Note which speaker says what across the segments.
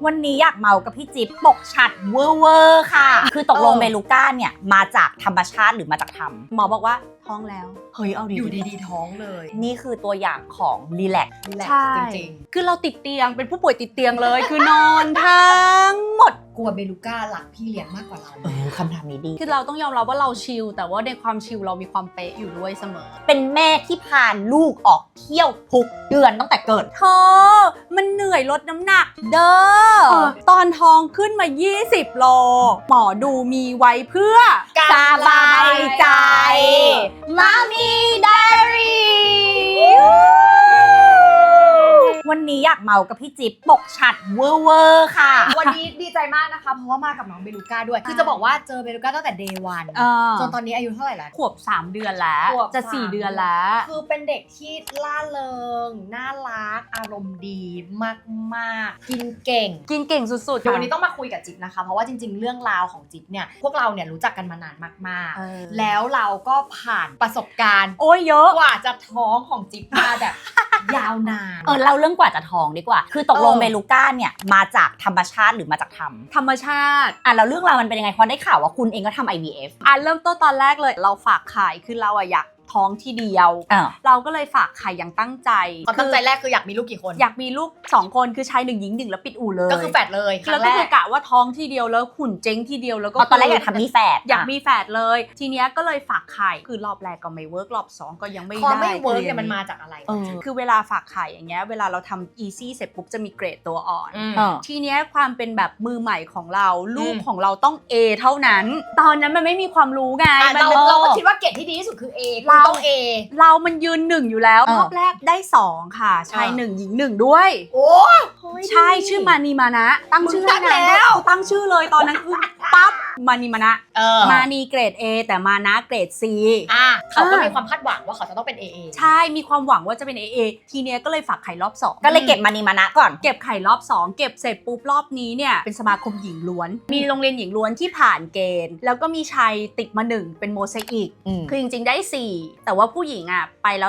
Speaker 1: วันนี้อยากเมากับพี่จิ๊บปกฉัดเวอร์ค่ะคือตกลงเบลูก้าเนี่ยมาจากธรรมชาติหรือมาจากธรรมหมอบอกว่าท้องแล้วเฮ้ยเอาดี
Speaker 2: อยู่ดีๆท้องเลย
Speaker 1: นี่คือตัวอย่างของรีแลกซ์
Speaker 2: ใช่ จริง
Speaker 3: คือเราติดเตียงเป็นผู้ป่วยติดเตียงเลย คือนอนทั้งหมด
Speaker 2: กลัวเบลูก้าหลักพี่เลี้ยงมากกว่าเรา
Speaker 1: คำถามนี้ดี
Speaker 3: คือเราต้องยอมรับว่าเราชิลแต่ว่าในความชิลเรามีความเป๊ะอยู่ด้วยเสมอ
Speaker 1: เป็นแม่ที่พาลูกออกเที่ยวทุกเดือนตั้งแต่เกิด
Speaker 3: เธอมันเหนื่อยลดน้ำหนักเด้อตอนท้องขึ้นมา20 โลหมอดูมีไว้เพื่อ
Speaker 1: สบายใจมามีไดอารี่วันนี้อยากเมากับพี่จิ๊บปกฉัดเวอร์ค่ะ
Speaker 2: วันนี้ดีใจมากนะคะเพราะว่ามากับน้องเบลูก้าด้วยคือจะบอกว่าเจอเบลูก้าตั้งแต่ day 1จนตอนนี้อายุเท่าไหร่แล้ว
Speaker 3: ขวบ3 เดือนแล้วจะ4 เดือนแล้ว
Speaker 2: คือเป็นเด็กที่ล่าเริงน่ารักอารมณ์ดีมากๆกินเก่ง
Speaker 3: สุดๆ
Speaker 2: เดี๋ยววันนี้ต้องมาคุยกับจิ๊บนะคะเพราะว่าจริงๆเรื่องราวของจิ๊บเนี่ยพวกเราเนี่ยรู้จักกันมานานมากๆแล้วเราก็ผ่านประสบการณ์
Speaker 3: เยอะ
Speaker 2: กว่าจะท้องของจิ๊บมาแบบยาวนาน
Speaker 1: เราเรื่องกว่าจะท้องดีกว่าคือตกลงเบลูก้าเนี่ยมาจากธรรมชาติหรือมาจากธรรม
Speaker 3: ชาติ
Speaker 1: แล้วเรื่องราวมันเป็นยังไงเพราะได้ข่าวว่าคุณเองก็ทำ IVF
Speaker 3: เริ่มต้นตอนแรกเลยเราฝากไข่คือเราอยากท้องที่เดียวเราก็เลยฝากไข่อย่างตั้งใจ
Speaker 2: ความตั้งใจแรกคืออยากมีลูกกี่คน
Speaker 3: อยากมีลูก2 คนคือชาย1หญิง1แล้วปิดอู่เลย
Speaker 2: ก็คือแฝดเลย
Speaker 3: แล้วก็คือกะว่าท้องที่เดียวแล้วหุ่นเจ๊งที่เดียวแล้วก็
Speaker 1: ตอนแรกอยากทำมีแฝด
Speaker 3: อยากมีแฝดเลยทีเนี้ยก็เลยฝากไข่คือรอบแรกก็ไม่เวิร์กรอบ2ก็ยังไม่ได้
Speaker 2: ความไม่เวิร์กเนี่ยมันมาจากอะไร
Speaker 3: คือเวลาฝากไข่อย่างเงี้ยเวลาเราทำ easy เสร็จปุ๊บจะมีเกรดตัวอ่อนทีเนี้ยความเป็นแบบมือใหม่ของเราลูกของเราต้อง A เท่านั้นตอนนั้นมันไม่มีความรู้ไง
Speaker 2: เราก็คิดว่าเกรดที่ดีที่สุดคือ A เราต้อง A
Speaker 3: เรามันยืน1อยู่แล้วรอบแรกได้2ค่ะชาย1หญิง1ด้วย
Speaker 2: โอ้
Speaker 3: ใช่ชื่อมานีมานะตั้งชื่อ
Speaker 2: แล้ว
Speaker 3: ตั้งชื่อเลยตอนนั้นคือปั๊บมานีมานะมานีเกรด A แต่มานะเกรด C
Speaker 2: เขาก็มีความคาดหวังว่าเขาจะต้องเป็น AA
Speaker 3: ใช่มีความหวังว่าจะเป็น AA ทีเนี้ยก็เลยฝากไข่รอบ2
Speaker 1: ก็เลยเก็บมานีมานะก่อน
Speaker 3: เก็บไข่รอบ2เก็บเสร็จปุ๊บรอบนี้เนี่ยเป็นสมาคมหญิงล้วนมีโรงเรียนหญิงล้วนที่ผ่านเกณฑ์แล้วก็มีชายติดมา1เป็นโมเสอิกคือจริงๆได้4แต่ว่าผู้หญิงไปแล้ว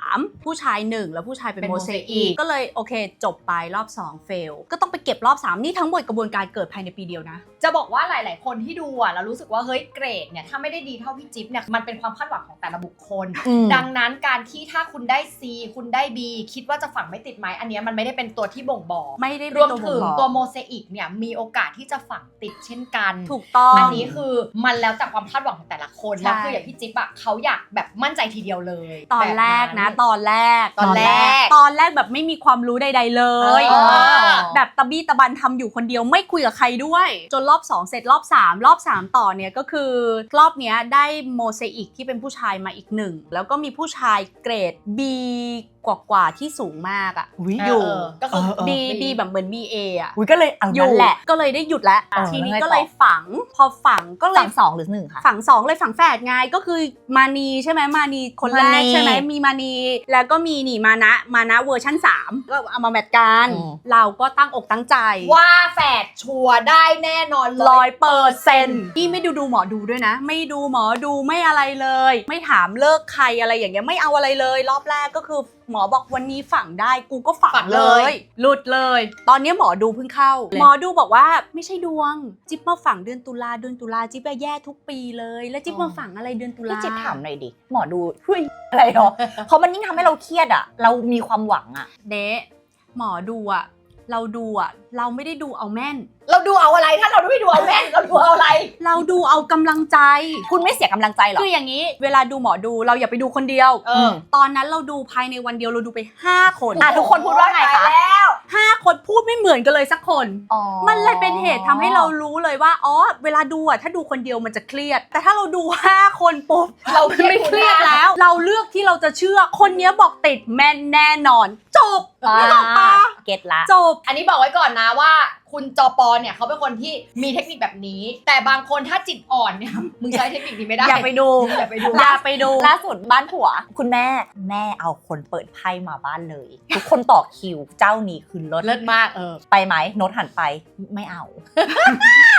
Speaker 3: 3ผู้ชาย1แล้วผู้ชายเป็นโมเสอิกก็เลยโอเคจบไปรอบ2เฟลก็ต้องไปเก็บรอบ3นี่ทั้งหมดกระบวนการเกิดภายในปีเดียวนะ
Speaker 2: จะบอกว่าหลายๆคนที่ดูเรารู้สึกว่าเฮ้ยเกรดเนี่ยถ้าไม่ได้ดีเท่าพี่จิ๊บเนี่ยมันเป็นความคาดหวังของแต่ละบุคคลดังนั้นการที่ถ้าคุณได้ C คุณได้ B คิดว่าจะฝังไม่ติดไหมอันนี้มันไม่ได้เป็นตัวที่บ่งบอก
Speaker 3: ไม่ได้
Speaker 2: รวมถึงตัวโมเสอิกเนี่ยมีโอกาสที่จะฝังติดเช่นกัน
Speaker 3: ถูกต้อง
Speaker 2: อันนี้คือมันแล้วแต่ความคาดหวังของแต่ละคนแล้วคืออย่างพี่จิ๊บเขาอยากแบบมั่นใจทีเดียวเลย
Speaker 3: ตอนแรกนะตอนแรกแบบไม่มีความรู้ใดๆเลยแบบตะบี้ตะบันทำอยู่คนเดียวไม่คุยกับใครด้วยจนรอบ2เสร็จรอบ3ต่อเนี่ยก็คือรอบเนี้ยได้โมเสอิกที่เป็นผู้ชายมาอีก1แล้วก็มีผู้ชายเกรด B กว่าที่สูงมากอยู่
Speaker 2: ก็คือ
Speaker 3: B แบบเหมือน BA
Speaker 1: ก็เลย
Speaker 3: อยู่แหละก็เลยได้หยุดแล้วทีนี้ก็เลยฝังพอฝังก็เลย
Speaker 1: ฝัง2หรือ1ค่ะ
Speaker 3: ฝัง2เลยฝังแฝดไงก็คือมานีใช่ไหมมานีคนแรกใช่ไหมมีมานีแล้วก็มีนี่มานะเวอร์ชั่น3ก็เอามาแมทกันเราก็ตั้งอกตั้งใจ
Speaker 2: ว่าแฝดชัวร์ได้แน่นอน
Speaker 3: 100%ที่ไม่ดูหมอดูด้วยนะไม่ดูหมอดูไม่อะไรเลยไม่ถามเลิกใครอะไรอย่างเงี้ยไม่เอาอะไรเลยรอบแรกก็คือหมอบอกวันนี้ฝังได้กูก็ฝังเลยหลุดเลยตอนนี้หมอดูเพิ่งเข้าหมอดูบอกว่าไม่ใช่ดวงจิ๊บมาฝังเดือนตุลาจิ๊บแย่ทุกปีเลยแล้วจิ๊บมาฝังอะไรเดือนตุลา
Speaker 1: พี่จิ๊บถามหน่อยดิหมอดูอะไรเนาะเพราะมันยิ่งทำให้เราเครียดเรามีความหวัง
Speaker 3: หมอดูเราดูเราไม่ได้ดูเอาแม่น
Speaker 2: เราดูเอาอะไรถ้าเราไม่ดูเอาแม่นเราดูเอาอะไร
Speaker 3: เราดูเอากำลังใจ
Speaker 1: คุณไม่เสียกำลังใจหรอ
Speaker 3: คืออย่างนี้เวลาดูหมอดูเราอย่าไปดูคนเดียวตอนนั้นเราดูภายในวันเดียวเราดูไป5 คน
Speaker 1: ทุกคนพูดว่าไงคะ
Speaker 3: 5 คนพูดไม่เหมือนกันเลยสักคนมันเลยเป็นเหตุทำให้เรารู้เลยว่าเวลาดูถ้าดูคนเดียวมันจะเครียดแต่ถ้าเราดู5 คนปุ๊บเราไม่เครียดแล้วเราเลือกที่เราจะเชื่อคนนี้บอกติดแม่นแน่นอนจบไม่ต้องปะ
Speaker 1: เก็ตละ
Speaker 3: จบ
Speaker 2: อันนี้บอกไว้ก่อนนะว่าคุณจปเนี่ยเขาเป็นคนที่มีเทคนิคแบบนี้แต่บางคนถ้าจิตอ่อนเนี่ยมึงใช้เทคนิคนี้ไม่ได้
Speaker 3: อย่าไปดู
Speaker 1: ล่าสุดบ้านผัวคุณแม่เอาคนเปิดไพ่มาบ้านเลยทุกคนต่อคิวเจ้านี้คือเลิศ
Speaker 2: มาก
Speaker 1: ไปไหมโน้ตหันไปไม่เอา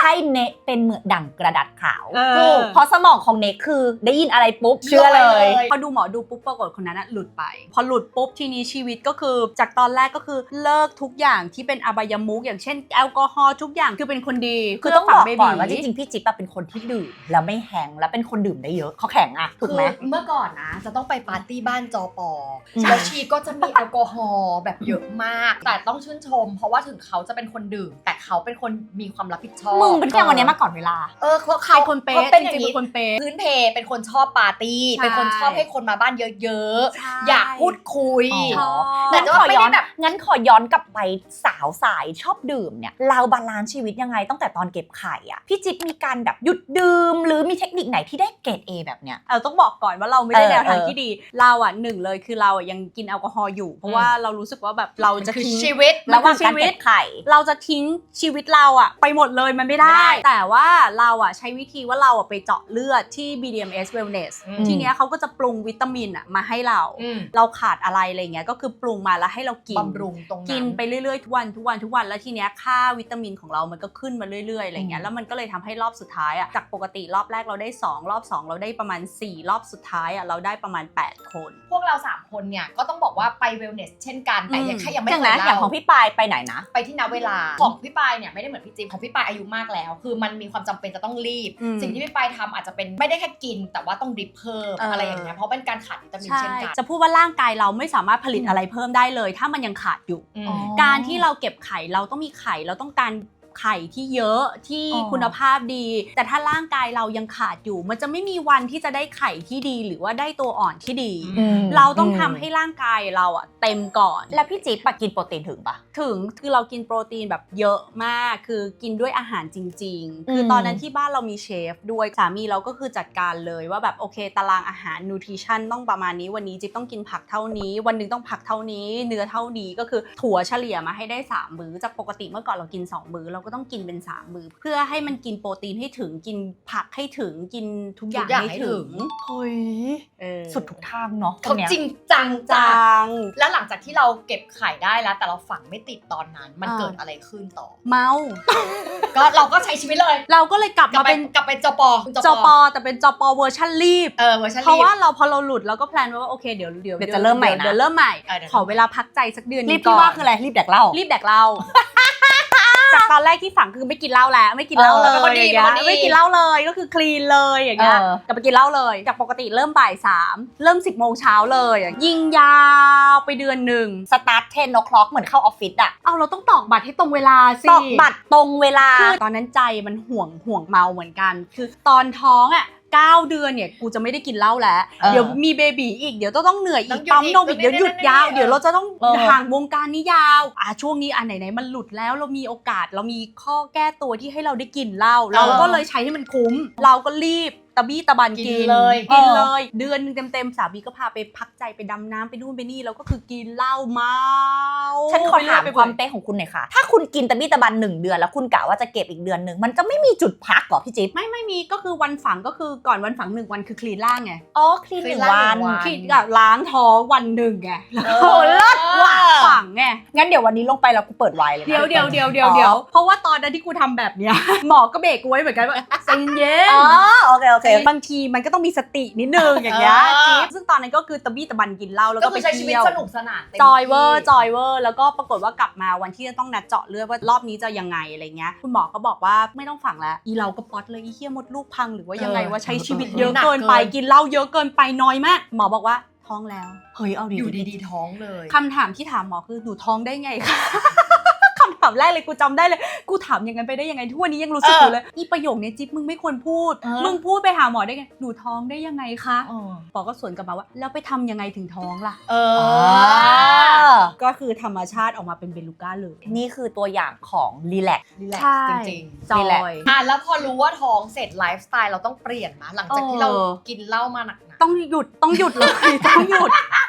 Speaker 1: ให้เนกเป็นเหมือนดั่งกระดาษขาว
Speaker 3: ถูก
Speaker 1: เพราะสมองของเนกคือได้ยินอะไรปุ๊บเชื่อเลย
Speaker 3: พอดูหมอดูปุ๊บปรากฏคนนั้นหลุดไปพอหลุดปุ๊บทีนี้ชีวิตก็คือจากตอนแรกก็คือเลิกทุกอย่างที่เป็นอบายมุขอย่างเช่นแอลกอฮอล์ทุกอย่างคือเป็นคนดี
Speaker 1: คือต้องบอกก่อนว่าจ
Speaker 3: เพื่
Speaker 1: ริงๆพี่จิ๊บเป็นคนที่ดื่มแล้วไม่แห้งแล้วเป็นคนดื่มได้เยอะเขาแข็งอะถูกไหม
Speaker 2: คือเมื่อก่อนนะจะต้องไปปาร์ตี้บ้านจอปอ
Speaker 1: อืม
Speaker 2: แล้วชีก็จะมีแอลกอฮอล์แบบเยอะมาก แต่ต้องชื่นชม เพราะว่าถึงเขาจะเป็นคนดื่ม แต่เขาเป็นคนมีความรับผิดชอบ
Speaker 1: มึงเป็นแค่วันนี้มาก่อนเวลา
Speaker 2: เขา
Speaker 3: เป็นคนเป๊ะ
Speaker 2: เขาเป็น
Speaker 3: จ
Speaker 2: อย่าง
Speaker 3: ริงๆ
Speaker 2: นี้
Speaker 3: เป็นคนเป๊ะ
Speaker 2: พื้นเพเป็นคนชอบปาร์ตี้
Speaker 3: ใช่
Speaker 2: เป็นคนชอบให้คนมาบ้านเยอะ
Speaker 3: ใช่
Speaker 2: ๆ อยากพูดคุย
Speaker 1: อ๋อ
Speaker 2: แต่
Speaker 1: งั้น
Speaker 2: ว่า
Speaker 1: ขอ
Speaker 2: ไม่
Speaker 1: ย้อ
Speaker 2: ได้
Speaker 1: น
Speaker 2: แบบ
Speaker 1: งั้นขอย้อนกลับไปสาวสายชอบดื่มเนี่ยเราบาลานซ์ชีวิตยังไงตั้งแต่ตอนเก็บไข่อะพี่จิ๊บมีการแบบหยุดดื่มหรือมีเทคนิคไหนที่ได้เกรด A แบบเนี้ย
Speaker 3: ต้องบอกก่อนว่าเราไม่ได้แนวทาง
Speaker 1: เออ
Speaker 3: ที่ดีเราหนึ่งเลยคือเรายังกินแอลกอฮอล์อยู่เพราะว่าเรารู้สึกว่าแบบเราจะ
Speaker 2: คือ
Speaker 3: ทิ้ง
Speaker 2: ชีวิต
Speaker 3: มัน
Speaker 1: ระหว่าง
Speaker 3: คือ
Speaker 1: การ
Speaker 3: ชีวิต
Speaker 1: เก็บไข่
Speaker 3: เราจะทิ้งชีวิตเราไปหมดเลยมันไม่ได้
Speaker 2: ไม่ได้
Speaker 3: แต่ว่าเราใช้วิธีว่าเราไปเจาะเลือดที่ BDMS Wellness
Speaker 2: อืม
Speaker 3: ทีเนี้ยเขาก็จะปรุงวิตามินมาให้เรา
Speaker 2: อืม
Speaker 3: เราขาดอะไรอะไรเงี้ยก็คือปรุงมาแล้วให้เรากิน
Speaker 2: บำรุงตรงนั้น
Speaker 3: กินไปเรื่อยๆทุกวันแล้วทีเนี้ยค่าวิตามินของเรามันก็ขึ้นมาเรื่อยๆอะไรเงี้ยแล้วมันก็เลยทำให้รอบสุดท้ายจากปกติรอบแรกเราได้2รอบ2เราได้ประมาณ4รอบสุดท้ายเราได้ประมาณ8คน
Speaker 2: พวกเรา3คนเนี่ยก็ต้องบอกว่าไปเวลเนสเช่นกันแต่ยังแค่ยังไม่
Speaker 1: อย่าง
Speaker 2: เค
Speaker 1: นะ
Speaker 2: ย
Speaker 1: อย่าง
Speaker 2: เล่า
Speaker 1: ของพี่ปายไปไหนนะ
Speaker 2: ไปที่ณเวลาของพี่ปายเนี่ยไม่ได้เหมือนพี่จิ๊บของพี่ปายอายุมากแล้ว คือมันมีความจำเป็นจะต้องรีบ
Speaker 3: อืม
Speaker 2: สิ่งที่พี่ปายทำอาจจะเป็นไม่ได้แค่กิน แต่ว่าต้องดริปเพิ่มอะไรอย่างเงี้ยเพราะเป็นการขาดวิตามิน
Speaker 3: ใช่
Speaker 2: เช่นกัน
Speaker 3: จะพูดว่าร่างกายเราไม่สามารถผลิตอะไรเพิ่มได้เลย ถ้ามันยังขาดอยู่
Speaker 2: อืม
Speaker 1: อ๋อ
Speaker 3: การที่เราเก็บไข่เราต้องมีไข่เราต้องการไข่ที่เยอะที่
Speaker 1: อ๋อ
Speaker 3: คุณภาพดี แต่ถ้าร่างกายเรายังขาดอยู่ มันจะไม่มีวันที่จะได้ไข่ที่ดีหรือว่าได้ตัวอ่อนที่ดี เราต้องทำให้ร่างกายเราเต็มก่อน
Speaker 1: แล้วพี่จิ๊บกินโปรตีนถึงปะ
Speaker 3: ถึงคือเรากินโปรตีนแบบเยอะมากคือกินด้วยอาหารจริงๆ คือ
Speaker 1: ม
Speaker 3: ตอนนั้นที่บ้านเรามีเชฟด้วยสามีเราก็คือจัดการเลยว่าแบบโอเคตารางอาหารนูทริชั่นต้องประมาณนี้วันนี้จิ๊บต้องกินผักเท่านี้วันหนึงต้องผักเท่านี้เนื้อเท่านี้ก็คือถั่วเฉลี่ยมาให้ได้3มื้อจากปกติเมื่อก่อนเรากิน2มื้อเราก็ต้องกินเป็น3มื้อเพื่อให้มันกินโปรตีนให้ถึงกินผักให้ถึงกินทุกอย่าง
Speaker 2: ทุกอย่าง
Speaker 3: ให้
Speaker 2: ให้
Speaker 3: ถึ
Speaker 2: ถึ
Speaker 3: ง
Speaker 2: ง
Speaker 1: เฮ้ย
Speaker 3: เออ
Speaker 1: สุดทุกทางเนาะ
Speaker 2: เขาจริงจังจ้า
Speaker 3: จัง
Speaker 2: แล้วหลังจากที่เราเก็บไข่ได้แล้ว แต่เราฝังไม่ติดตอนนั้น มันเกิดอะไรขึ้นต่อ
Speaker 3: เมา
Speaker 2: ก็เราก็ใใช้ชีวิตเลย
Speaker 3: เราก็เลยกลับ
Speaker 2: กลับ
Speaker 3: มา
Speaker 2: ไป
Speaker 3: เป็น
Speaker 2: กลับไปจป
Speaker 3: จปแต่เป็นจปเวอร์ชันรีบ
Speaker 2: เวอร์ชัน
Speaker 3: เพราะ
Speaker 2: รีบ
Speaker 3: ว่าพอเราหลุดเราก็แพลนไว้ว่าโอเคเดี๋ยว
Speaker 1: จะเริ่มใหม่นะ
Speaker 3: เดี๋ยวเริ่มใหม่
Speaker 2: เดี๋ยว
Speaker 3: ขอเวลาพักใจสักเดือน
Speaker 1: รี
Speaker 3: นึ
Speaker 1: บ
Speaker 3: ง
Speaker 1: ที่
Speaker 3: ก่อ
Speaker 1: ว่าน คืออะไรรีบแดกเหล้า
Speaker 3: รีบแดกเหล้า จากตอนแรกที่ฝังคือไม่กินเหล้าแล้วไม่กินเหล้าเลย
Speaker 2: เป็นคนดี
Speaker 3: อย่างเงี้ย
Speaker 2: เป็นคนดี
Speaker 3: ไม่กินเหล้าเลยก็คือคลีนเลยอย่างเงี้ย
Speaker 1: เออ
Speaker 3: กลับไปกินเหล้าเลยจากปกติเริ่มบ่าย3เริ่ม10 โมงเช้าเลยยิงยาวไปเดือนหนึ่ง
Speaker 1: สตาร์ท10 o'clock เหมือนเข้าออฟฟิศอะ
Speaker 3: เอาเราต้องตอกบัตรให้ตรงเวลาสิ
Speaker 1: ตอกบัตรตรงเวลา
Speaker 3: คือตอนนั้นใจมันห่วงเมาเหมือนกัน คือตอนท้อง9 เดือนเนี่ยกูจะไม่ได้กินเหล้าแล้ว
Speaker 1: เออ
Speaker 3: เดี๋ยวมีเบบีอีกเดี๋ยวต้องเหนื่อยอี
Speaker 2: ต้
Speaker 3: ก
Speaker 2: องหยุด
Speaker 3: ปั๊มนม
Speaker 2: อี
Speaker 3: อี
Speaker 2: ก
Speaker 3: กเดี๋ยวหยุดยาว
Speaker 2: เออ
Speaker 3: เดี๋ยวเราจะต้อง
Speaker 1: เออ
Speaker 3: ห่างวงการนี้ยาวช่วงนี้ไหนมันหลุดแล้วเรามีโอกาสเรามีข้อแก้ตัวที่ให้เราได้กินเหล้าเราก็เลยใช้ให้มันคุ้ม เราก็รีบตะบี้ตะบัน
Speaker 2: กิ
Speaker 3: กิ
Speaker 2: น
Speaker 3: น
Speaker 2: เลย
Speaker 3: กินเลย เดือนนึงเต็มๆสามีก็พาไปพักใจไปดำน้ำไปนู่นไปนี่แล้วก็คือกินเหล้าเมา
Speaker 1: ฉันขอถาม
Speaker 3: ไป
Speaker 1: ความเป๊ะของคุณหน่อยค่ะ ถ้าคุณกินตะบี้ตะบัน1 เดือนแล้วคุณกะว่าจะเก็บอีกเดือนหนึ่งมันจะไม่มีจุดพักเหรอพี่จิ๊บ
Speaker 3: ไม่มีก็คือวันฝังก็คือก่อนวันฝัง1 วันคือคลีนร่างไง
Speaker 1: อ๋อคลีน
Speaker 2: คลีน
Speaker 1: 1 วัน
Speaker 2: 1 วัน
Speaker 3: คลีนกับล้างท้องวันหนึ่งไงแล้วก็
Speaker 1: โอ้เลิศว่ะ
Speaker 3: ฝังไง
Speaker 1: งั้นเดี๋ยววันนี้ลงไปแล้วกูเปิดไวน์เลยนะ
Speaker 3: เดี๋ยวเพราะว่าตอนนั้นที่กูทำแบบเนี้ย หมอก็เบรกกูไว้เหมือนกันว่าใจเย็น
Speaker 1: อ๋อโอเค
Speaker 3: บางทีมันก็ต้องมีสตินิดนึงอย่างเงี้ย
Speaker 2: เออ
Speaker 3: จิ๊บซึ่งตอนนั้นก็คือตะบี้ตะบันกินเหล้าแล้ว
Speaker 2: ก็
Speaker 3: ก็
Speaker 2: คื
Speaker 3: ไป
Speaker 2: อใช้ชีวิต
Speaker 3: เที่ยว
Speaker 2: สนุกสนานต็ม
Speaker 3: จอยเวอร์
Speaker 2: ที่
Speaker 3: จอยเวอร์แล้วก็ปรากฏว่ากลับมาวันที่จะต้องนัดเจาะเลือดว่ารอบนี้จะยังไงอะไรเงี้ยคุณหมอก็บอกว่าไม่ต้องฝังแล้วอีเราก็ป๊อตเลยอีเหี้ยมดลูกพังหรือว่ายังไงว่าใช้ชีวิตเยอะเกินไปกินเหล้าเยอะเกินไปน้อยมากหมอบอกว่าท้องแล้ว
Speaker 1: เฮ้ยเอาดี
Speaker 2: อยู่ดีๆท้องเลย
Speaker 3: คำถามที่ถามหมอคือหนูท้องได้ไงคะ คำถามแรกเลยกูจำได้เลยกูถามอย่างนั้นไปได้ยังไงทุกวันนี้ยังรู้สึกอยู่เลยนี่ประโยคนี้จิ๊บมึงไม่ควรพูด มึงพูดไปหาหมอได้ไงหนูท้องได้ยังไงคะ
Speaker 1: เออ
Speaker 3: หมอก็สวนกลับมาว่าแล้วไปทำยังไงถึงท้องล่ะ
Speaker 2: เอ
Speaker 1: อ๋
Speaker 2: อ
Speaker 1: อ
Speaker 3: ก็คือธรรมชาติออกมาเป็นเบลูก้าเลย
Speaker 1: นี่คือตัวอย่างของรีแลกซ์
Speaker 2: รีแลก
Speaker 3: ใช่
Speaker 2: ซ์จริง
Speaker 3: จ
Speaker 1: นี่
Speaker 3: อ
Speaker 1: แหละ
Speaker 3: ย
Speaker 2: ๆแล้วพอรู้ว่าท้องเสร็จไลฟ์สไตล์เราต้องเปลี่ยนมาหลังจากที่เรา
Speaker 3: เออ
Speaker 2: กินเหล้ามาหนัก
Speaker 3: ต้องหยุดเลย ต้องหยุด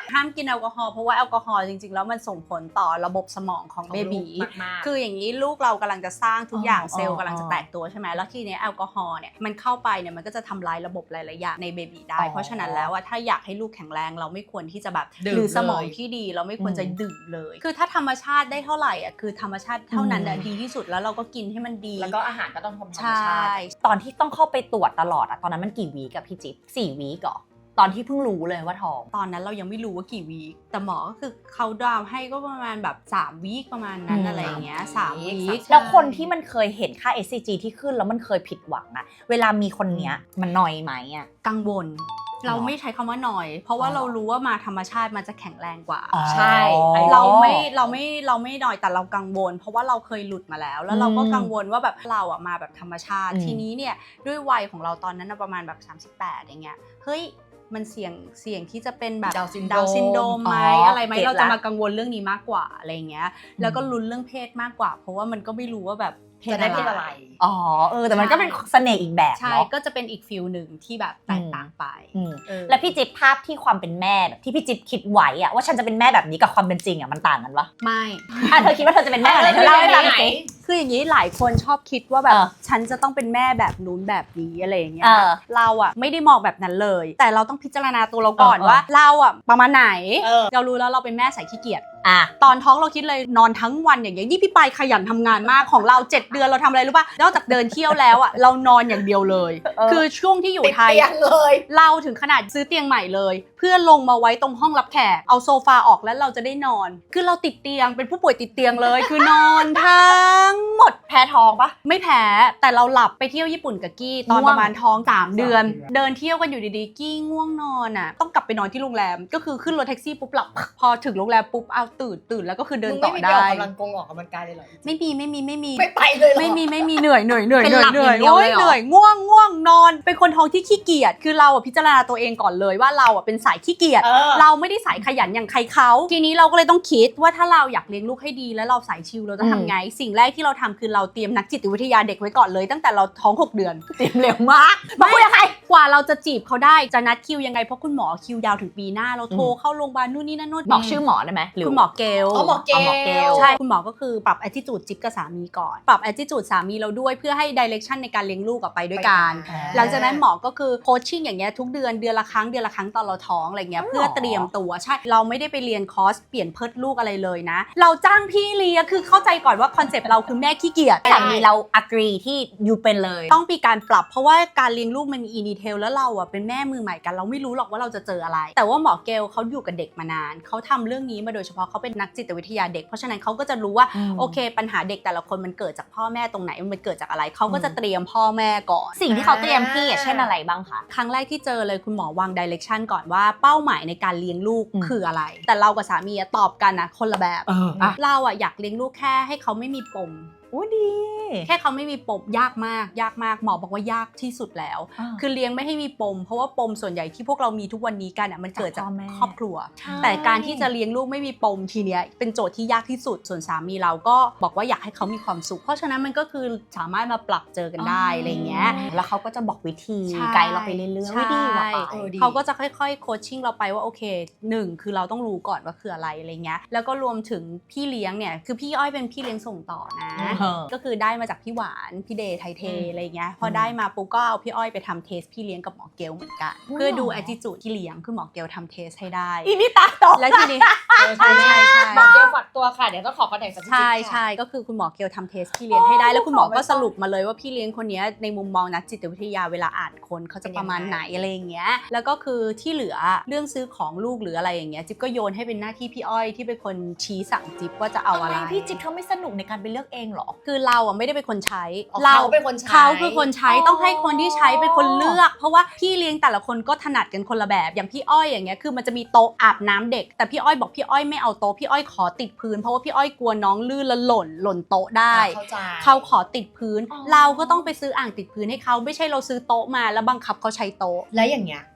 Speaker 3: ห้ามกินแอลกอฮอล์เพราะว่าแอลกอฮอล์จริงๆแล้วมันส่งผลต่อระบบสมองของเบบี
Speaker 2: มากๆ
Speaker 3: คืออย่างนี้ลูกเรากำลังจะสร้างทุกอย่าง
Speaker 1: อ๋อ
Speaker 3: เซลล์กำลังจะแตกตัวใช่ไหมแล้วทีนี้แอลกอฮอล์เนี่ยมันเข้าไปเนี่ยมันก็จะทำลายระบบหลายๆอย่างในเบบีได้เพราะฉะนั้นแล้วถ้าอยากให้ลูกแข็งแรงเราไม่ควรที่จะแบบ
Speaker 2: ดื่ม
Speaker 3: หรือสมอง
Speaker 2: เลย
Speaker 3: ที่ดีเราไม่ควรจะดื่มเลยคือถ้าธรรมชาติได้เท่าไหร่อ่ะคือธรรมชาติเท่านั้นดีที่สุดแล้วเราก็กินให้มันดี
Speaker 2: แล้วก็อาหารก็ต้องธรรม
Speaker 3: ใช่
Speaker 2: ชาติ
Speaker 1: ตอนที่ต้องเข้าไปตรวจตลอดอะตอนนั้นมันกี่วีกับพี่จิ๊บ4 วีก่อตอนที่เพิ่งรู้เลยว่าท้อง
Speaker 3: ตอนนั้นเรายังไม่รู้ว่ากี่วีคแต่หมอก็คือเขาดาวให้ก็ประมาณแบบ3วีคประมาณนั้นอะไรอย่างเงี้ย3วีค
Speaker 1: แล้วคนที่มันเคยเห็นค่า SCG ที่ขึ้นแล้วมันเคยผิดหวังอะเวลามีคนเนี้ยมันนอยไหมอะ
Speaker 3: กังวลเราไม่ใช้คำว่าหน่อย เพราะว่าเรารู้ว่ามาธรรมชาติมันจะแข็งแรงกว่า
Speaker 2: ใช่
Speaker 3: เราไม่หน่อยแต่เรากังวล เพราะว่าเราเคยหลุดมาแล้วเราก็กังวลว่าแบบเราอ่ะมาแบบธรรมชาติทีนี้เนี่ยด้วยวัยของเราตอนนั้นประมาณแบบ38อย่างเงี้ยเฮ้ยมันเสี่ยงที่จะเป็นแบบ
Speaker 2: Down syndrome
Speaker 3: ดาวน์ซินโดรมไหม
Speaker 1: อ๋ออ
Speaker 3: อะไรไหม
Speaker 1: เก็ตละ
Speaker 3: เราจะมากังวลเรื่องนี้มากกว่าอะไรเงี้ยแล้วก็ลุ้นเรื่องเพศมากกว่า เพราะว่ามันก็ไม่รู้ว่าแบบ
Speaker 2: จะได้เพศอะไร
Speaker 1: อ๋อแต่มันก็เป็นเสน่ห์อีกแบบ
Speaker 3: ใช่
Speaker 1: เนาะ
Speaker 3: ก็จะเป็นอีกฟิลหนึ่งที่แบบแตกต่างไป
Speaker 1: แล้วพี่จิ๊บภาพที่ความเป็นแม่แบบที่พี่จิ๊บคิดไว้อะว่าฉันจะเป็นแม่แบบนี้กับความเป็นจริงอะมันต่างกันปะ
Speaker 3: ไม่
Speaker 1: เธอคิดว่าเธอจะเป็นแม่อะไรเธอเล่าให้ฟังสิ
Speaker 3: คืออย่างนี้หลายคนชอบคิดว่าแบบ
Speaker 1: เออ
Speaker 3: ฉันจะต้องเป็นแม่แบบนู้นแบบนี้อะไรอย่างเงี้ย
Speaker 1: เออ
Speaker 3: เราอะไม่ได้มองแบบนั้นเลย แต่เราต้องพิจารณาตัวเราก่อน
Speaker 1: เออ
Speaker 3: ว่าเราอะประมาณไหน
Speaker 2: เออ
Speaker 3: เรารู้แล้วเราเป็นแม่สายขี้เกียจ
Speaker 1: อ่ะ
Speaker 3: ตอนท้องเราคิดเลยนอนทั้งวันอย่างเงี้ยนี่พี่ปายขยันทำงานมากของเรา7 เดือนเราทำอะไรรู้ป่ะนอกจากเดินเที่ยวแล้วอะเรานอนอย่างเดียวเลย คือช่วงที่อยู่
Speaker 2: ติด
Speaker 3: ไทย
Speaker 2: เตียงเลย
Speaker 3: เราถึงขนาดซื้อเตียงใหม่เลย เพื่อลงมาไว้ตรงห้องรับแขกเอาโซฟาออกแล้วเราจะได้นอน คือเราติดเตียงเป็นผู้ป่วยติดเตียงเลย คือนอนทั้งหมด
Speaker 1: แพ้ท้องปะ
Speaker 3: ไม่แพ้แต่เราหลับไปเที่ยวญี่ปุ่นกับกี้ตอน
Speaker 1: ง่วง
Speaker 3: ประมาณท้อง3 เดือน เดินเที่ยวกันอยู่ดีๆกี้ง่วงนอนอ่ะต้องกลับไปนอนที่โรงแรมก็คือขึ้นรถแท็กซี่ปุ๊บหลับ พอถึงโรงแรมปุ๊บเอาตื่นแล้วก็คือเดิน
Speaker 2: มึง
Speaker 3: ต่
Speaker 2: ไม่
Speaker 3: อ
Speaker 2: มีไป
Speaker 3: ได้
Speaker 2: ออกกำลังกายเลยเหรอ
Speaker 3: ไม่มี
Speaker 2: ไม่ไปเลยเหรอ
Speaker 3: ไม่มีเหนื่อย
Speaker 1: เป็นหลับอย่างเดียวเลยเหรอ
Speaker 3: เหนื่อยง่วงนอนเป็นคนท้องที่ขี้เกียจคือเราพิจารณาตัวเองก่อนเลยว่าเราเป็นสายขี้เกียจ เราไม่ได้สายขยันอย่างใครเขาทีนี้เราก็เลยต้องคิดว่าถ้าเราอยากเลี้ยงลูกให้ดีแล้วเราสายชิลเราจะทำไงสิ่งแรกที่เราทำคือเราเตรียมนักจิตวิทยาเด็กไว้ก่อนเลยตั้งแต่เราท้อง6 เดือน
Speaker 1: เตรียมเร็วมากมาคุยกับใคร
Speaker 3: กว่าเราจะจีบเขาได้จะนัดคิวยังไงเพราะคุณหมอคิวยาวถึงปีหน้าเราโทรเข้าโรงพยาบาลนู่นนี่นั่นนู่น
Speaker 1: บอกชื่อหมอได้ไหมหรือ
Speaker 3: คุณหมอเกล
Speaker 2: อ๋อหมอเกล
Speaker 1: หมอเกล
Speaker 3: ใช่คุณหมอก็คือปรับ attitude จิ๊บกับสามีก่อนปรับ attitude สามีเราด้วยเพื่อให้ direction ในการเลี้ยงลูกไปด้วยกัน หลังจากนั้นหมอก็คือโคชชิ่งอย่างเงี้ยทุกเดือนละครั้งตอนเราท้องอะไรเงี้ยเพื่อเตรียมตัวใช่เราไม่ได้ไปเรียนคอร์สเปลี่ยนเพิดลูกอะไรเลยนะเราจ้างพี่เลี้ยงคือเข้าใจก่อนว่าคอนเซปต์เราคือแม่ขี้เกียจ
Speaker 1: สามีเรา agree ที่อยู่เป็นเลย
Speaker 3: ต้องมีการปรับเพราะว่าการเลี้ยงลูกมันมีอินดีเทลแล้วเราอ่ะเป็นแม่มือใหม่กันเราไม่รู้หรอกว่าเราจะเจออะไร แต่ว่าหมอเกลเขาอยู่กับเด็กมานานเขาทำเรื่องนี้มาโดยเฉพาะเขาเป็นนักจิตวิทยาเด็กเพราะฉะนั้นเขาก็จะรู้ว่าโอเคปัญหาเด็กแต่ละคนมันเกิดจากพ่อแม่ตรงไหนมันเกิดจากอะไรเขาก็จะเตรียมพ่อแม่ก่อน
Speaker 1: สิ่งที่เขาเตรียมพี่อะเช่นอะไรบ้างคะ
Speaker 3: ครั้งแรกที่เจอเลยคุณหมอวาง direction ก่อนว่าเป้าหมายในการเลี้ยงลูก
Speaker 1: อืม
Speaker 3: คืออะไร แต่เรากับสามีอะตอบกันนะคนละแบบ
Speaker 1: อ่ะ
Speaker 3: เราอะอยากเลี้ยงลูกแค่ให้เขาไม่มีปม
Speaker 1: โอ้ดี
Speaker 3: แค่เขาไม่มีปมยากมากหมอบอกว่ายากที่สุดแล้ว คือเลี้ยงไม่ให้มีปมเพราะว่าปมส่วนใหญ่ที่พวกเรามีทุกวันนี้กันอ่ะมันเกิดจาก
Speaker 1: จากพ่อแม่
Speaker 3: ครอบครัว
Speaker 1: ใช่
Speaker 3: แต่การที่จะเลี้ยงลูกไม่มีปมทีเนี้ยเป็นโจทย์ที่ยากที่สุดส่วนสามีเราก็บอกว่าอยากให้เขามีความสุข เพราะฉะนั้นมันก็คือสามารถมาปรับเจอกันได้อะไรเงี้ย
Speaker 1: แล้วเขาก็จะบอกวิธี
Speaker 3: ใช่
Speaker 1: ไกด์เราไปเรื่อยๆ
Speaker 3: ใช่
Speaker 1: วิธีว่าไป
Speaker 2: ดี
Speaker 3: เขาก็จะค่อยๆโคชชิ่งเราไปว่าโอเค1คือเราต้องรู้ก่อนว่าคืออะไรอะไรเงี้ยแล้วก็รวมถึงพี่เลี้ยงเนี่ยคือพี่อ้อยเป็นพี่เลี้ยงส่งต่อนะ ก็คือได้มาจากพี่หวานพี่เดย์ไทยเทอะไรเงี้ยพอได้มาปุ๊บก็เอาพี่อ้อยไปทำเทสพี่เลี้ยงกับหมอเกลเหมือนกันเพื่อดู attitude ที่เลี้ยงคือหมอเกลทำเทสให้ได้
Speaker 1: อีนี่ตาตก
Speaker 3: แล้วทีนี้
Speaker 2: ใช่
Speaker 3: ใช่
Speaker 2: หมอเกลฝากตัวค่ะเดี๋ยวต้องขอคอนแทคสักที
Speaker 3: ใช่ก็คือคุณหมอเกลทำเทสพี่เลี้ยงให้ได้แล้วคุณหมอก็สรุปมาเลยว่าพี่เลี้ยงคนนี้ในมุมมองนักจิตวิทยาเวลาอ่านคนเขาจะประมาณไหนอะไรอย่างเงี้ยแล้วก็คือที่เหลือเรื่องซื้อของลูกหรืออะไรอย่างเงี้ยจิ๊บก็โยนให้เป็นหน้าที่พี่อ้อยที่เป็นคนชี้สั่งจิ๊บว่าจะเอาอะไร
Speaker 1: พี่จิ๊บเขาไม่สนุกในการไปเลือกเองเหรอ
Speaker 3: คือเราอ่ะไม่ได้เป็นคนใช้
Speaker 2: เขาเป็นคนใช้
Speaker 3: เขาคือคนใช้
Speaker 1: อ๋อ
Speaker 3: ต้องให้คนที่ใช้เป็นคนเลือก เพราะว่าพี่เลี้ยงแต่ละคนก็ถนัดกันคนละแบบอย่างพี่อ้อยอย่างเงี้ยคือมันจะมีโต๊ะอาบน้ำเด็กแต่พี่อ้อยบอกพี่อ้อยไม่เอาโต๊ะพี่อ้อยขอติดพื้นเพราะว่าพี่อ้อยกลัวน้องลื่นแล้วหล่นโต๊ะได้
Speaker 2: เข้าใจ
Speaker 3: เขาขอติดพื้น
Speaker 1: อ๋อ
Speaker 3: เราก็ต้องไปซื้ออ่างติดพื้นให้เขาไม่ใช่เราซื้อโต๊ะมาแล้วบังคับเขาใช้โต๊ะ
Speaker 2: แล้วอย่างเงี้ย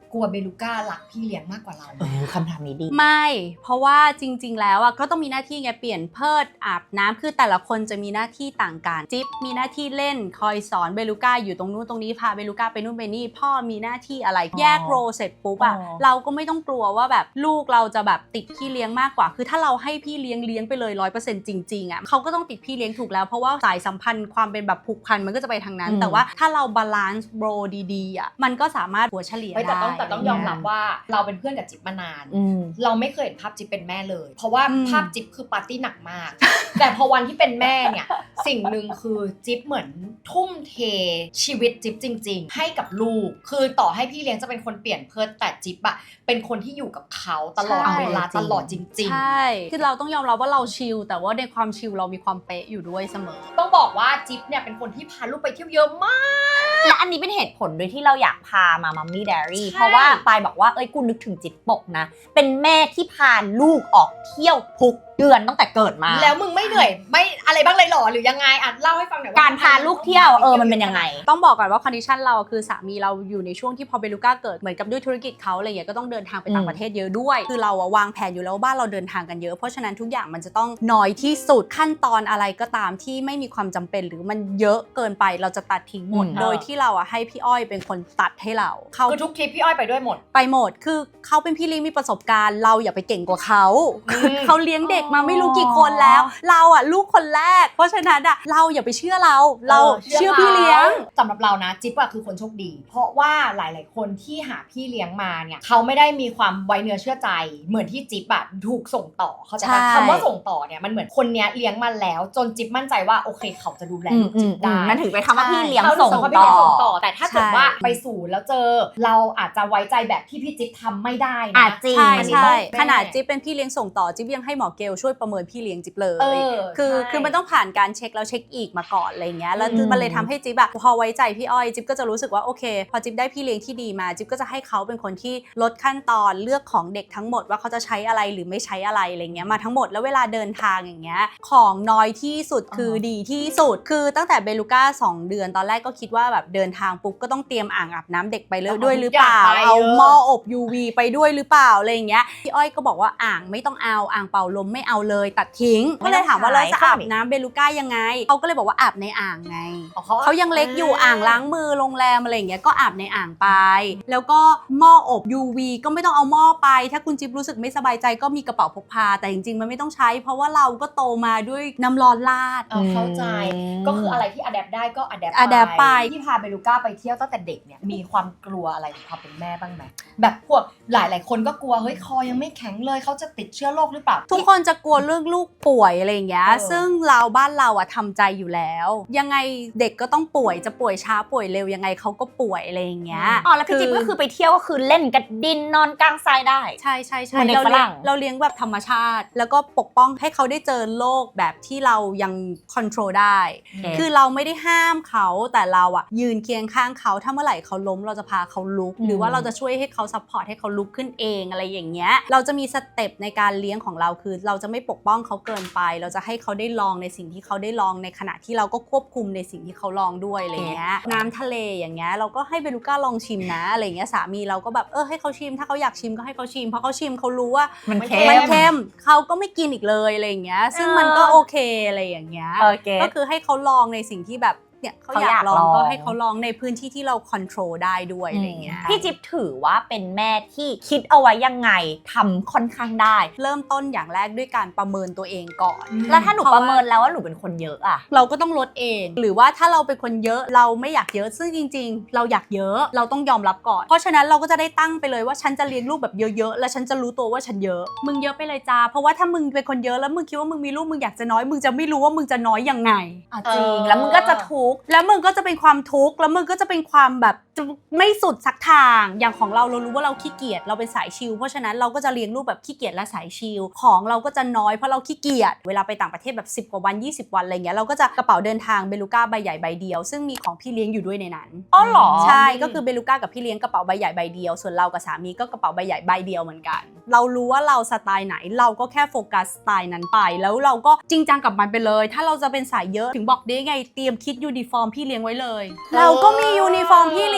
Speaker 2: กลัวเบลูก้ารักพี่เลี้ยงมากกว่าเราไหม
Speaker 1: คำถามนี้ดี
Speaker 3: ไม่เพราะว่าจริงๆแล้วก็ต้องมีหน้าที่ไงเปลี่ยนเพิดอาบน้ำคือแต่ละคนจะมีหน้าที่ต่างกันจิ๊บมีหน้าที่เล่นคอยสอนเบลูก้าอยู่ตรงนู้นตรงนี้พาเบลูก้าไปนู่นไปนี่พ่อมีหน้าที่อะไรแยกโรเสร็จปุ๊บเราก็ไม่ต้องกลัวว่าแบบลูกเราจะแบบติดพี่เลี้ยงมากกว่าคือถ้าเราให้พี่เลี้ยงไปเลย 100% จริงๆเขาก็ต้องติดพี่เลี้ยงถูกแล้วเพราะว่าสายสัมพันธ์ความเป็นแบบผูกพันมันก็จะไปทางนั้นแต่ว่าถ้าเราบาลานซ์โรดีๆมันก็สามารถหัวเฉลี่ยได้
Speaker 2: แต่ต้องยอมรับว่าเราเป็นเพื่อนกับจิ๊บมานานเราไม่เคยเห็นภาพจิ๊บเป็นแม่เลยเพราะว่าภาพจิ๊บคือปาร์ตี้หนักมาก แต่พอวันที่เป็นแม่เนี่ยสิ่งหนึ่งคือจิ๊บเหมือนทุ่มเทชีวิตจิ๊บจริงๆให้กับลูกคือต่อให้พี่เลี้ยงจะเป็นคนเปลี่ยนเพิดแต่จิ๊บอะเป็นคนที่อยู่กับเขาตลอดเวลาตลอดจริงๆ
Speaker 3: ใช่คือเราต้องยอมรับว่าเราชิลแต่ว่าในความชิลเรามีความเป๊ะอยู่ด้วยเสมอ
Speaker 2: ต้องบอกว่าจิ๊บเนี่ยเป็นคนที่พาลูกไปเที่ยวเยอะมาก
Speaker 1: และอันนี้เป็นเหตุผลโดยที่เราอยากพามามัมมี่ไดอารี่เพราะว่าปายบอกว่าเอ้ยกูนึกถึงจิตปกนะเป็นแม่ที่พาลูกออกเที่ยวทุกเดือนตั้งแต่เกิดมา
Speaker 2: แล้วมึงไม่เหนื่อยไม่อะไรบ้างเลยหรอหรือยังไงอ่ะเล่าให้ฟังหน่อยว่า
Speaker 1: การพาลูกเที่ยวมันเป็นยังไง
Speaker 3: ต้องบอกก่อนว่าคอนดิชันเราคือสามีเราอยู่ในช่วงที่พอเบลูก้าเกิดเหมือนกับด้วยธุรกิจเขาอะไรอย่างเงี้ยก็ต้องเดินทางไปต่างประเทศเยอะด้วยคือเราวางแผนอยู่แล้วบ้านเราเดินทางกันเยอะเพราะฉะนั้นทุกอย่างมันจะต้องน้อยที่สุดขั้นตอนอะไรก็ตามที่ไม่มีความจำเป็นหรือมันเยอะเกินไปเราจะตัดทิ้งหมดโดยที่เราให้พี่อ้อยเป็นคนตัดให้เรา
Speaker 2: คือทุกทริปพี่อ้อยไปด้วยหมด
Speaker 3: ไปหมดคือเขาเป็นพี่เลี้ยงมีประสบการณ์เราอย่าไปเก่งกว่าเขาเขาเลี้ยงเด็กมาไม่รู้กี่คนแล้วเราลูกคนแรกเพราะฉะนั้นเราอย่าไปเชื่อเราเชื่อพี่เลี้ยง
Speaker 2: สำหรับเรานะจิ๊บคือคนโชคดีเพราะว่าหลายๆคนที่หาพี่เลี้ยงมาเนี่ยเขาไม่ได้มีความไว้เนื้อเชื่อใจเหมือนที่จิ๊บถูกส่งต่อเขาจะคำว่าส่งต่อเนี่ยมันเหมือนคนเนี้ยเลี้ยงมาแล้วจนจิ๊บมั่นใจว่าโอเคเขาจะดูแลลูกจิ๊บได้
Speaker 1: มันถึงไปคำว่าพี่เลี้ยงส่ง
Speaker 2: ต่อแต่ถ้าเกิดว่าไปสู่แล้วเจอเราอาจจะไว้ใจแบบที่พี่จิ๊บทำไม่ได้นะ
Speaker 1: จริง
Speaker 3: ใช่ขนาดจิ๊บเป็นพี่เลี้ยงส่งต่อจิ๊บยังให้หมอเกลช่วยประเมินพี่เลี้ยงจิ๊บเลยคือมันต้องผ่านการเช็คแล้วเช็คอีกมาก่อนอะไรเงี้ยแล้วมันเลยทำให้จิ๊บพอไว้ใจพี่อ้อยจิ๊บก็จะรู้สึกว่าโอเคพอจิ๊บได้พี่เลี้ยงที่ดีมาจิ๊บก็จะให้เขาเป็นคนที่ลดขั้นตอนเลือกของเด็กทั้งหมดว่าเขาจะใช้อะไรหรือไม่ใช้อะไรอะไรเงี้ยมาทั้งหมดแล้วเวลาเดินทางอย่างเงี้ยของน้อยที่สุดคือดีที่สุดคือตั้งแต่เบลูก้า2 เดือนตอนแรกก็คิดว่าแบบเดินทางปุ๊บก็ต้องเตรียมอ่างอาบน้ำเด็กไปด้วยหรือเปล่าเอาหม้ออบ UV ไปด้วยหรือเปล่าอะไรอย่างเงี้ยพี่อ้อยก็บอกว่าอ่างไม่ต้องเอาอ่างเป่าลมไม่เอาเลยตัดทิ้งก็เลยถามว่าเราจะอาบน้ำเบลูก้ายังไงเขาก็เลยบอกว่าอาบในอ่างไงเขายังเล็กอยู่อ่างล้างมือโรงแรมอะไรอย่างเงี้ยก็อาบในอ่างไปแล้วก็หม้ออบ UV ก็ไม่ต้องเอาหม้อไปถ้าคุณจิ๊บรู้สึกไม่สบายใจก็มีกระเป๋าพกพาแต่จริงๆมันไม่ต้องใช้เพราะว่าเราก็โตมาด้วยน้ำร้อนราด
Speaker 2: เข้าใจก็คืออะไรที่อะแดปได้ก็อะแดปไปที่พาเบลูก้าไปเที่ยวตั้งแต่เด็กเนี่ยมีความกลัวอะไรในความเป็นแม่บ้างไหมแบบพวกหลายๆคนก็กลัวเฮ้ยคอยังไม่แข็งเลยเขาจะติดเชื้อโรคหรือเปล่า
Speaker 3: ทุกคนจะกลัวเรื่องลูกป่วยอะไรอย่างเงี้ยซึ่งบ้านเราทำใจอยู่แล้วยังไงเด็กก็ต้องป่วยจะป่วยช้าป่วยเร็วยังไงเขาก็ป่วยอะไรอย่างเงี้ย
Speaker 1: แล้วพี่จิ๊บก็คือไปเที่ยวก็คือเล่นกับดินนอนกลางทรายได้
Speaker 3: ใช่เราเลี้ยงแบบธรรมชาติแล้วก็ปกป้องให้เขาได้เจอโลกแบบที่เรายังคอนโทรลได้คือเราไม่ได้ห้ามเขาแต่เรายืนเคียงข้างเขาถ้าเมื่อไหร่เขาล้มเราจะพาเขาลุกหรือว่าเราจะช่วยให้เขาซัพพอร์ตให้เขาลุกขึ้นเองอะไรอย่างเงี้ยเราจะมีสเต็ปในการเลี้ยงของเราคือเราจะไม่ปกป้องเขาเกินไปเราจะให้เขาได้ลองในสิ่งที่เขาได้ลองในขณะที่เราก็ควบคุมในสิ่งที่เขาลองด้วยอะไรเงี้ยน้ำทะเลอย่างเงี้ยเราก็ให้เบลูก้าลองชิมนะอะไรเงี้ยสามีเราก็แบบให้เขาชิมถ้าเขาอยากชิมก็ให้เขาชิมเพราะเขาชิมเขารู้ว่า
Speaker 1: มันเ
Speaker 3: ค็มเขาก็ไม่กินอีกเลยอะไรอย่างเงี้ยซึ่งมันก็โอเคอะไรอย่างเงี้ยก็คือให้เขาลองในสิ่งที่แบบเนี่ยเขาอยากลองก็ให้เขาลองในพื้นที่ที่เราควบคุมได้ด้วยอะไรเงี้ย
Speaker 1: พี่จิ๊บถือว่าเป็นแม่ที่คิดเอาไว้ยังไงทำค่อนข้างได้
Speaker 3: เริ่มต้นอย่างแรกด้วยการประเมินตัวเองก่อน
Speaker 1: แล้วถ้าหนูประเมินแล้วว่าหนูเป็นคนเยอะ
Speaker 3: เราก็ต้องลดเองหรือว่าถ้าเราเป็นคนเยอะเราไม่อยากเยอะซึ่งจริงๆเราอยากเยอะเราต้องยอมรับก่อนเพราะฉะนั้นเราก็จะได้ตั้งไปเลยว่าฉันจะเลี้ยงลูกแบบเยอะๆแล้วฉันจะรู้ตัวว่าฉันเยอะมึงเยอะไปเลยจ้าเพราะว่าถ้ามึงเป็นคนเยอะแล้วมึงคิดว่ามึงมีลูกมึงอยากจะน้อยมึงจะไม่รู้ว่ามึงจะน้อยยังไง
Speaker 1: จริงแล้วมึงก็จะทุกข์
Speaker 3: แล้วมึงก็จะเป็นความทุกข์แล้วมึงก็จะเป็นความแบบไม่สุดสักทางอย่างของเรารู้ว่าเราขี้เกียจเราเป็นสายชิลเพราะฉะนั้นเราก็จะเลี้ยงลูกแบบขี้เกียจและสายชิลของเราก็จะน้อยเพราะเราขี้เกียจเวลาไปต่างประเทศแบบ10 กว่าวัน20 วันอะไรเงี้ยเราก็จะกระเป๋าเดินทางเบลูก้าใบใหญ่ใบเดียวซึ่งมีของพี่เลี้ยงอยู่ด้วยในนั้น
Speaker 1: หรอ
Speaker 3: ใช่ก็คือเบลูก้ากับพี่เลี้ยงกระเป๋าใบใหญ่ใบเดียวส่วนเรากับสามีก็กระเป๋าใบใหญ่ใบเดียวเหมือนกันเรารู้ว่าเราสไตล์ไหนเราก็แค่โฟกัสสไตล์นั้นไปแล้วเราก็จริงจังกับมันไปเลยถ้าเราจะเป็นสายเยอะถึงบอกได้ไงเตรียมคิดยูนิฟอร์มพี่เลี้ยงไว้เลยเราก็มียูนิฟอร์มพี่เลี้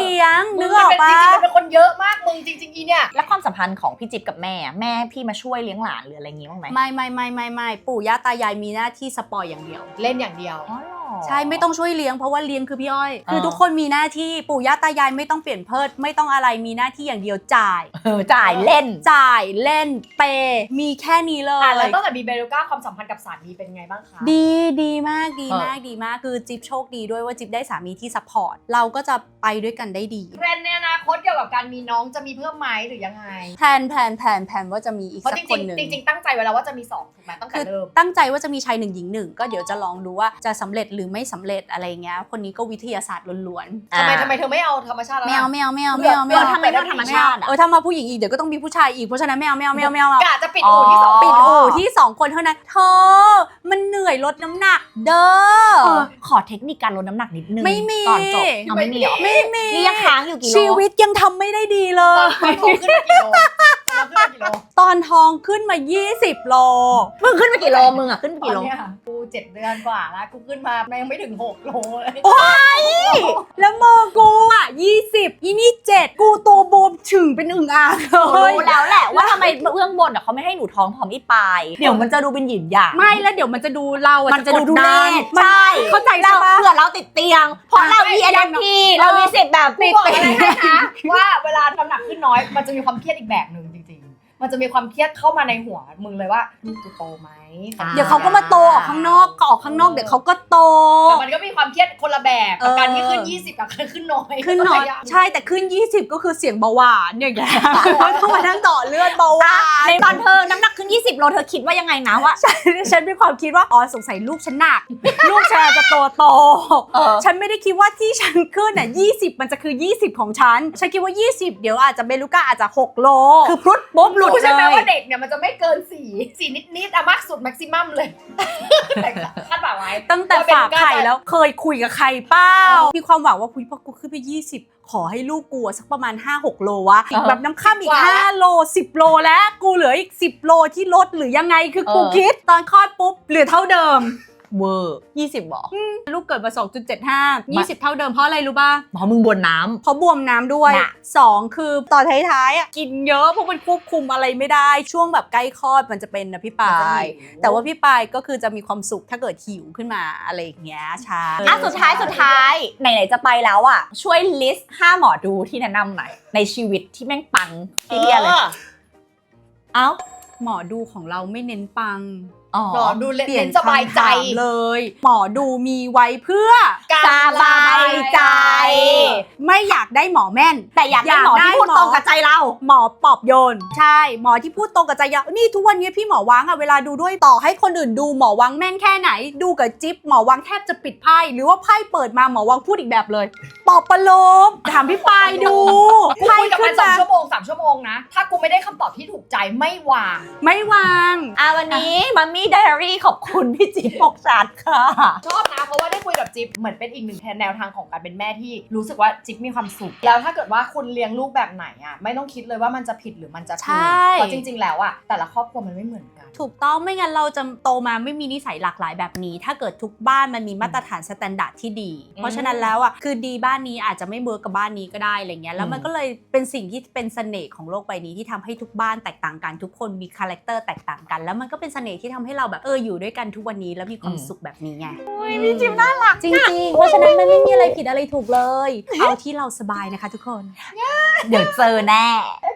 Speaker 3: ลี้ยง
Speaker 2: มึ
Speaker 3: นึ
Speaker 2: ง
Speaker 3: กออก
Speaker 2: เป็น
Speaker 3: ปะ
Speaker 2: จริงๆมันเป็นคนเยอะมากมึงจริงๆอีเนี่ย
Speaker 1: แล้วความสัมพันธ์ของพี่จิ๊บกับแม่พี่มาช่วยเลี้ยงหลานหรืออะไรอย่างงี้บ้างไหม
Speaker 3: ไม่ปู่ย่าตายายมีหน้าที่สปอยอย่างเดียว
Speaker 2: เล่นอย่างเดียว
Speaker 1: อ๋อเหรอ
Speaker 3: ใช่ไม่ต้องช่วยเลี้ยงเพราะว่าเลี้ยงคือพี่อ้อย
Speaker 1: อ่า
Speaker 3: คือทุกคนมีหน้าที่ปู่ย่าตายายไม่ต้องเปลี่ยนเพิดไม่ต้องอะไรมีหน้าที่อย่างเดียวจ่าย
Speaker 1: จ่ายเล่น
Speaker 3: จ่ายเล่นเปย์มีแค่นี้เลย
Speaker 2: แล้วตั้งแต่มีเบลูก้าความสัมพันธ์กับสามีเป็นไงบ้างคะ
Speaker 3: ดีมากคือจิ๊บโชคดีด้วยว่าจิ๊บได้สามีที่ซัพพอร์ตเราก็จะไปด้วยกันได้ดี
Speaker 2: แพลนในอนาคตเกี่ยวกับการมีน้องจะมีเพิ่มไหมหรือยังไง
Speaker 3: แผนว่าจะมีอีก
Speaker 2: เพราะ
Speaker 3: สั
Speaker 2: จ
Speaker 3: กคนหนึ่ง
Speaker 2: ริงๆตั้งใจไว้แล้วว่าจะมี2ถูกไหมตั้งแต่
Speaker 3: คือ
Speaker 2: เริ่ม
Speaker 3: ตั้งใจว่าจะมีชาย1หญิง1ก็เดี๋ยวจะลองดูว่าจะสำเร็จหรือไม่สำเร็จอะไรเงี้ยคนนี้ก็วิทยาศาสตร์ล้วนๆ
Speaker 2: ทำไมเธอไม่เอาธรรมชาติแล้ว
Speaker 3: ไม่เอา
Speaker 2: ล่ะ
Speaker 3: ไม่เอาไม่เอา
Speaker 2: เลื
Speaker 3: ไม่
Speaker 2: อก
Speaker 3: เอาไม่เอา
Speaker 1: ทำไมเลือกธรรมชาติอะ
Speaker 3: ถ้ามาผู้หญิงอีกเดี๋ยวก็ต้องมีผู้ชายอีกเพราะฉะนั้นไม่เอา
Speaker 2: กะจะปิดอู่ที่ 2
Speaker 3: ปิดอู่ที่2คนเท่านั้นเธอมันเหนื่อยลดน้ำหนักเด้อ
Speaker 1: ขอเทคนิคการลดน้ำหนักนิดนึง
Speaker 3: ไม่มี
Speaker 1: ก่อนจบเอาไม่มีเหรอ
Speaker 3: ไม่มี
Speaker 1: นี่ยังค้างอยู่กี่โล
Speaker 3: ชีวิตยังทำไม่ได้ดีเล
Speaker 2: ตอย นท้องขึ้นมากี่โลตอนขึ้นมากี่โล
Speaker 3: ตอนท้องขึ้นมา20 โล
Speaker 1: มึงขึ้นไปกี่โลมึงอะขึ้นไป
Speaker 2: ตอ
Speaker 1: กี่
Speaker 2: น
Speaker 1: โล
Speaker 2: เนี้ยกู7 เดือนกว่าแล้วกูขึ้นมายังไม่ถึง6 โลเลย
Speaker 3: แล้วมือกูอ่ะ20อีนี่7กูตัวบวมถึงเป็นอึ่งอ่างเล
Speaker 1: รู้
Speaker 3: ย
Speaker 1: แล้วแหละว่าทำไมเบื้องบนอะเขาไม่ให้หนูท้องพร้อมอีปลายเดี๋ยวมันจะดูเป็นหยินหยาง
Speaker 3: ไม่แล้วเดี๋ยวมันจะดูเราอ่ะ
Speaker 1: มันจะดู
Speaker 3: ก
Speaker 1: เล่
Speaker 3: ดัน
Speaker 1: ใช่
Speaker 3: เข้าใจ
Speaker 1: เรา
Speaker 3: ใช่ปะ
Speaker 1: เผื่อเราติดเตียง เพราะเรามีNFP เรามีสิทธิ์แบบ
Speaker 2: กูบอกอะไรให้นะว่าเวลาน้ำหนักขึ้นน้อยมันจะมีความเครียดอีกแบบหนึ่งจริงๆ มันจะมีความเครียดเข้ามาในหัวมึงเลยว่าลูกกูโตไหม
Speaker 3: เดี๋ยวเขาก็มาโตออกข้างนอกก็ออกข้างนอกเดี๋ยวเขาก็โต
Speaker 2: แต่มันก็มีความเครียดคนละแบบกับการที่ขึ้น
Speaker 3: เออ
Speaker 2: 20กับการขึ้นน้อย
Speaker 3: ขึ้นน้อยใช่แต่ขึ้น20ก็คือเสียงเบาหวานอย่างเงี้ยต้องมานั่งต่อเลือดเบาหวาน
Speaker 1: ในตอนเธอน้ำหนักขึ้น20 โลเธอคิดว่ายังไงนะว่า
Speaker 3: ฉันมีความคิดว่าอ๋อสงสัยลูกฉันหนัก ลูกฉันอาจจะโต ฉันไม่ได้คิดว่าที่ฉันขึ้นน่ะ20มันจะคือ20ของฉันคิดว่า20เดี๋ยวอาจจะเบลูก้าอาจจะ6 โล
Speaker 1: คือพรุดปุ๊บหลุด
Speaker 2: รู้ใช่ไหม
Speaker 1: เลย
Speaker 2: ว่าเด็กเนี่ยมันจะไม่เกิน4นิดๆอะมากสุดแม็กซิมัมเลยแต่คาดหวังไว้
Speaker 3: ตั้งแต่ฝากไข่แล้วเคยคุยกับใครเป้ามีความหวังว่าคุยพอกูขึ้นไป20ขอให้ลูกกูสักประมาณ 5-6 โลวะอีกแบบน้ำข้ามอีก5 โล 10 โลแล้วกูเหลืออีก10 โลที่ลดหรือยังไงคือกูคิดตอนคลอดปุ๊บเหลือเท่าเดิม
Speaker 1: เวอร์20บอก
Speaker 3: ลูกเกิดมา 2.75 20 เท่าเดิมเพราะอะไรรู้ป่ะ
Speaker 1: เพราะมึงบวนน้
Speaker 3: เพราะบวมน้ำด้วย
Speaker 1: น่ะ
Speaker 3: 2 คือตอนท้ายๆอ่ะกินเยอะเพราะมันควบคุมอะไรไม่ได้ช่วงแบบใกล้คลอดมันจะเป็นนะพี่ปายแต่ว่าพี่ปายก็คือจะมีความสุขถ้าเกิดหิวขึ้นมาอะไรอย่างเงี้ยใช่
Speaker 1: ำอ่ะสุดท้ายไหนๆจะไปแล้วอ่ะช่วยลิสต์5หมอดูที่แนะนำหน่อยในชีวิตที่แม่งปังที่เดียเลยเอ้า
Speaker 3: หมอดูของเราไม่เน้นปัง
Speaker 1: อ๋อ
Speaker 2: หมอดูเล่
Speaker 3: เปลี่ยน
Speaker 2: นสบายใจ
Speaker 3: คำถามเลย หมอดูมีไว้เพื่อ
Speaker 1: สบายใจ
Speaker 3: ไม่อยากได้หมอแม่น
Speaker 1: แต่อยากได้หมอที่พูดตรงกับใจเรา
Speaker 3: หมอปลอบโยนใช่หมอที่พูดตรงกับใจเรานี่ทุกวันนี้พี่หมอวังอะเวลาดูด้วยต่อให้คนอื่นดูหมอวังแม่นแค่ไหน ดูกับจิ๊บหมอวังแทบจะปิดไพ่หรือว่าไพ่เปิดมาหมอวังพูดอีกแบบเลยปลอบประโลมถามพี่ปายดู
Speaker 2: กูคุยกับมัน2 ชั่วโมง 3 ชั่วโมงนะ ถ้ากูไม่ได้คำตอบที่ถูกใจไม่วาง
Speaker 3: ไม่วาง
Speaker 1: วันนี้มัมมี่ไดอารี่ขอบคุณพี่จิ๊บปกชัดค่ะ
Speaker 2: ชอบนะเพราะว่าได้คุยกับจิ๊บเหมือนเป็นอีกหนึ่งแนวทางของการเป็นแม่ที่รู้สึกว่าจิ๊บมีความสุข แล้วถ้าเกิดว่าคุณเลี้ยงลูกแบบไหนอ่ะไม่ต้องคิดเลยว่ามันจะผิดหรือมันจะถูกเพราะจริง ๆ แล้วอ่ะแต่ละครอบครัวมันไม่เหมือนกัน
Speaker 3: ถูกต้องไม่งั้นเราจะโตมาไม่มีนิสัยหลากหลายแบบนี้ ถ้าเกิดทุกบ้านมันมีมาตรฐานสแตนดาร์ดที่ดี เพราะฉะนั้นแล้วอ่ะคือดีบ้านนี้อาจจะไม่เวิร์กกับบ้านนี้ก็ได้อะไรเงี้ยแล้วมันก็เลยเป็นสิ่งที่เป็นเสน่ห์ของโลกใบนี้ที่ทำให้ทุกบ้านแตกต่างกันทุกคนมีคาแรคเตอร์แตกต่างกัน แล้วมันก็เป็นเสน่ห์ที่ทำให้เราแบบอยู่ด้วยกันทุกวันนี้แล้วมีความสุขแบบนี้ไง
Speaker 1: พี่จิ๊บน่ารัก
Speaker 3: จริงๆเพราะฉะนั้นมันไม่มีอะไรผิดอะไรถูกเลย เอาที่เราสบายนะคะทุกคน
Speaker 1: เดี๋ยวเจอแน่
Speaker 2: เอ